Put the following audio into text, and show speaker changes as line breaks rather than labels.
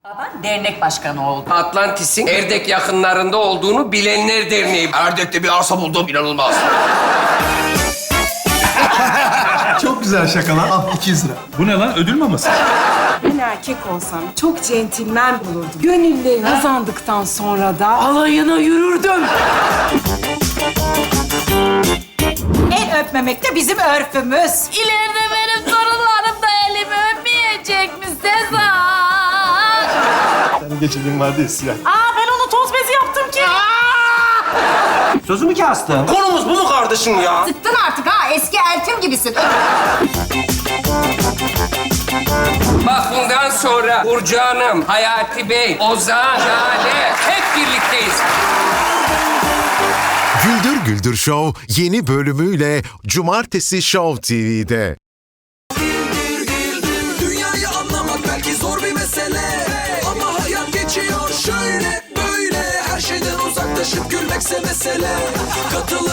Baban dernek başkanı oldu.
Atlantis'in Erdek yakınlarında olduğunu bilenler derneği.
Erdek'te bir arsa buldum, inanılmaz.
Çok güzel şakalar. Al 200 lira.
Bu ne lan? Ödül maması.
Ben erkek olsam çok centilmen olurdum. Gönüllerini kazandıktan sonra da alayına yürürdüm.
El öpmemek de bizim örfümüz.
İleride benim torunlarım da elimi öpmeyecek mi Sezar?
Yani geçirdiğim vardı ya siyah.
Aa ben onu toz bezi yaptım ki.
Sözümü kastın. Konumuz bu mu kardeşim ya?
Sıktın artık ha. Eski eltim gibisin.
Bak bundan sonra Burcu Hanım, Hayati Bey, Ozan, Jale hep birlikteyiz.
Güldür Güldür Show yeni bölümüyle Cumartesi Show TV'de.
Dünyayı anlamak belki zor bir mesele, ama hayat geçiyor şöyle böyle. Her şeyden uzaklaşıp gülmekse mesele. Katıl